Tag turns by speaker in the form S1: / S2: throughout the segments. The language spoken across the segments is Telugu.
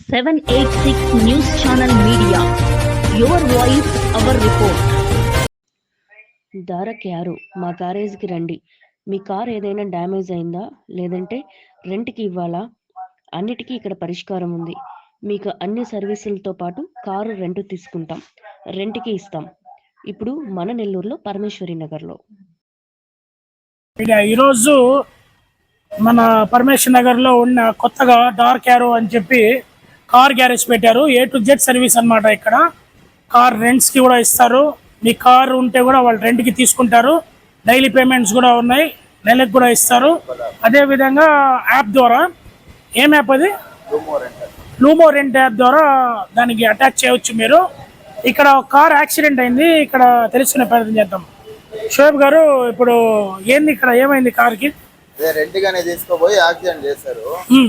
S1: 786 News Channel Media. Your voice, our report.
S2: దారక్ యారు మా గ్యారేజ్కి రండి. మీ కార్ ఏదైనా డ్యామేజ్ అయిందా, లేదంటే రెంట్కి ఇవ్వాలా? అన్నిటికీ ఇక్కడ పరిష్కారం ఉంది. మీకు అన్ని సర్వీసులతో పాటు కారు రెంట్ తీసుకుంటాం, రెంట్కి ఇస్తాం. ఇప్పుడు మన నెల్లూరులో పరమేశ్వరి నగర్లో.
S3: ఈరోజు మన పరమేశ్వర్ నగర్లో ఉన్న కొత్తగా డార్క్ యారో అని చెప్పి కార్ గ్యారేజ్ పెట్టారు. A to Z సర్వీస్ అన్నమాట. ఇక్కడ కార్ రెంట్స్కి కూడా ఇస్తారు. మీ కార్ ఉంటే కూడా వాళ్ళు రెంట్కి తీసుకుంటారు. డైలీ పేమెంట్స్ కూడా ఉన్నాయి, నెలకు కూడా ఇస్తారు. అదేవిధంగా యాప్ ద్వారా, ఏం యాప్ అది, లూమో రెంట్ యాప్ ద్వారా దానికి అటాచ్ చేయవచ్చు మీరు. ఇక్కడ కార్ యాక్సిడెంట్ అయింది, ఇక్కడ తెలుసుకునే ప్రయత్నం చేద్దాం. షోయబ్ గారు, ఇప్పుడు ఏంది ఇక్కడ, ఏమైంది కార్కి?
S4: రెంట్ గానే తీసుకోపోయి యాక్సిడెంట్ చేశారు.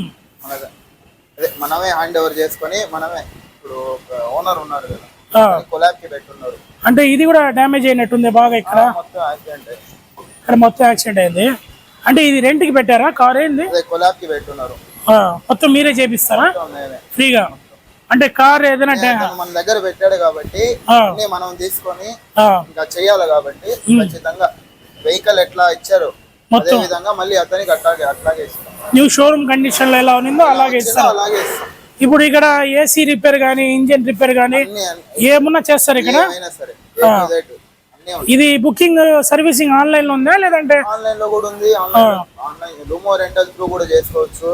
S4: మనమే హ్యాండ్ ఓవర్ చేసుకొని మనమే, ఇప్పుడు ఓనర్ ఉన్నారు కదా, కొలాబ్ కి పెట్టున్నారు.
S3: అంటే ఇది కూడా డ్యామేజ్ అయినట్టుంది బాగా. ఇక్కడ మొత్తం యాక్సిడెంట్ అయింది. అంటే ఇది రెంట్ కి పెట్టారా కార్? ఏంది,
S4: కొలాబ్ కి పెట్టున్నారు.
S3: మొత్తం మీరే చేపిస్తారా ఫ్రీగా? అంటే కార్ ఏదైనా
S4: మన దగ్గర పెట్టాడు కాబట్టి మనం తీసుకొని ఇంకా చెయ్యాలి కాబట్టి ఖచ్చితంగా వెహికల్ ఎట్లా ఇచ్చారు అదే విధంగా మళ్ళీ అతనికి అట్లాగే ఇస్తాం.
S3: న్యూ షోరూమ్ కండిషన్ లో ఎలా ఉందో అలాగే ఇస్తాం. ఇప్పుడు ఇక్కడ ఏసీ రిపేర్ గానీ, ఇంజిన్ రిపేర్ గానీ ఏమన్నా చేస్తారు ఇక్కడ? ఇది బుకింగ్ సర్వీసింగ్ ఆన్లైన్ లో ఉందా, లేదంటే
S4: ఆన్లైన్ లో కూడా ఉంది. ఆన్లైన్ లూమో రెంటల్ త్రూ కూడా చేసుకోవచ్చు.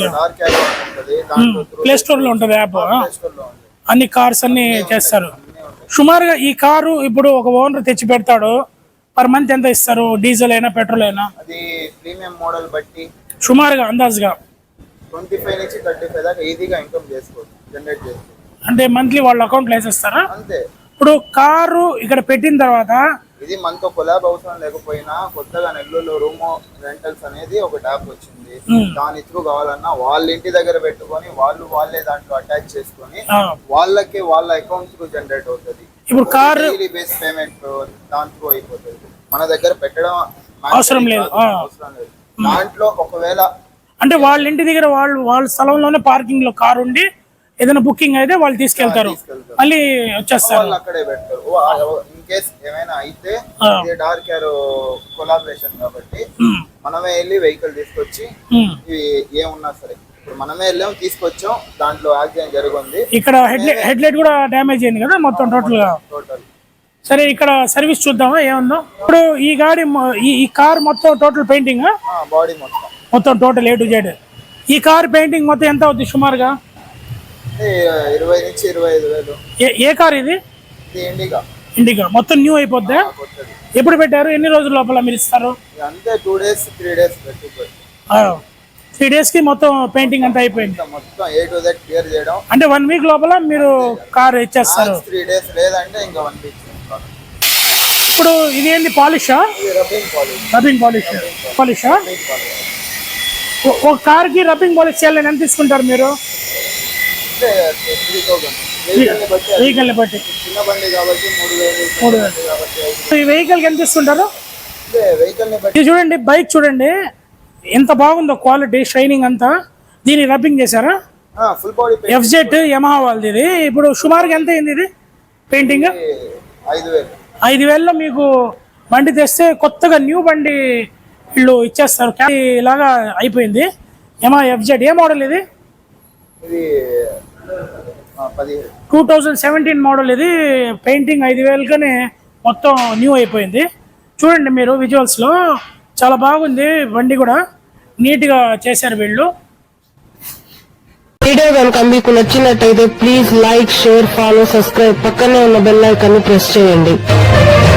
S3: ప్లే స్టోర్ లో ఉంటది యాప్. అన్ని కార్స్ అన్ని చేస్తారు. సుమారుగా ఈ కారు ఇప్పుడు ఒక ఓనర్ తెచ్చి పెడతాడు, పర్ మంత్ ఎంత ఇస్తారు? డీజిల్ అయినా పెట్రోల్ అయినా?
S4: అది ప్రీమియం మోడల్ బట్టి
S3: సుమారుగా అందాజుగా
S4: 25 నుంచి 35 దాకా ఈజీగా ఇన్కమ్ చేసుకోవచ్చు, జనరేట్ చేసుకోవచ్చు.
S3: అంటే మంత్లీ వాళ్ళ అకౌంట్ లో వేసేస్తారా?
S4: అంతే.
S3: ఇప్పుడు కారు ఇక్కడ పెట్టిన తర్వాత
S4: ఇది మనతో కొలాబ్ అవసరం లేకపోయినా కొత్తగా నెల్లూరులో రూమో రెంటల్స్ అనేది ఒక యాప్ వచ్చింది. దాని త్రూ కావాలన్నా వాళ్ళ ఇంటి దగ్గర పెట్టుకొని వాళ్ళే దాంట్లో అటాచ్ చేసుకొని వాళ్ళకి వాళ్ళ అకౌంట్ కు జనరేట్ అవుతుంది.
S3: ఇప్పుడు కార్
S4: బేస్ పేమెంట్ దాంట్లో అయిపోతుంది. మన దగ్గర పెట్టడం
S3: అవసరం లేదు.
S4: దాంట్లో ఒకవేళ
S3: అంటే వాళ్ళ ఇంటి దగ్గర వాళ్ళ స్థలంలోనే పార్కింగ్ లో కార్ ఉండి ఏదైనా బుకింగ్ అయితే వాళ్ళు తీసుకెళ్తారు, మళ్ళీ వచ్చేస్తారు,
S4: అక్కడే పెడతారు. ఇన్ కేస్ ఏమైనా అయితే డార్క్ యారో కొలాబరేషన్ కాబట్టి మనమే వెళ్ళి వెహికల్ తీసుకొచ్చి ఏమున్నా సరే ఇప్పుడు మనమే వెళ్ళాం, తీసుకొచ్చాం. దాంట్లో యాక్సిడెంట్ జరిగింది.
S3: ఇక్కడ హెడ్ లైట్ కూడా డ్యామేజ్ అయింది కదా మొత్తం టోటల్ గా. సరే, ఇక్కడ సర్వీస్ చూద్దామా ఏముందో. ఇప్పుడు ఈ గాడి ఈ కార్ మొత్తం టోటల్ పెయింటింగ్,
S4: బాడీ మొత్తం
S3: టోటల్ A to Z. ఈ కార్ పెయింటింగ్ మొత్తం ఎంత అవుతుంది సుమారుగా?
S4: 20 నుంచి 25 వేలు.
S3: ఏ కార్ ఇది? ఇండిగా. మొత్తం న్యూ అయిపోద్దా? ఎప్పుడు పెట్టారు? ఎన్ని రోజుల లోపల మీరు ఇస్తారు?
S4: అంతే 2 days 3 days పెట్టుకోండి.
S3: 3 days కి మొత్తం పెయింటింగ్ అంతా అయిపోయింది.
S4: మొత్తం A to Z క్లియర్ చేయడం.
S3: అంటే 1 week లోపల మీరు కార్ ఇచ్చేస్తారు?
S4: 3 days లేదంటే ఇంకా 1 week.
S3: ఇప్పుడు ఇది ఏంది, పాలిషా? రబ్బింగ్ పాలిషా? ఒక కార్ కి రబ్బింగ్ పాలిష్ చేయాలని ఎంత తీసుకుంటారు మీరు? వెహికల్ ని బట్టి.
S4: చిన్న బండి కాబట్టి 3,000.
S3: ఈ వెహికల్ కి ఎంత తీసుకుంటారు?
S4: వెహికల్ ని బట్టి.
S3: చూడండి, బైక్ చూడండి ఎంత బాగుందో, క్వాలిటీ, షైనింగ్ అంతా. దీన్ని రబ్బింగ్ చేశారా?
S4: ఫుల్ బాడీ
S3: FZ యమహా వాళ్ళది ఇది. ఇప్పుడు సుమారుగా ఎంత అయింది ఇది పెయింటింగ్? 5,000లో మీకు బండి తెస్తే కొత్తగా న్యూ బండి వీళ్ళు ఇచ్చేస్తారు. ఇలాగా అయిపోయింది. Yamaha FZ. ఏ మోడల్ ఇది? 2017 మోడల్ ఇది. పెయింటింగ్ 5,000కనే మొత్తం న్యూ అయిపోయింది. చూడండి మీరు విజువల్స్లో, చాలా బాగుంది. బండి కూడా నీట్గా చేశారు వీళ్ళు.
S5: వీడియో కనుక మీకు నచ్చినట్టయితే please like, share, follow, subscribe. పక్కనే ఉన్న బెల్ ఐకాన్ ని ప్రెస్ చేయండి.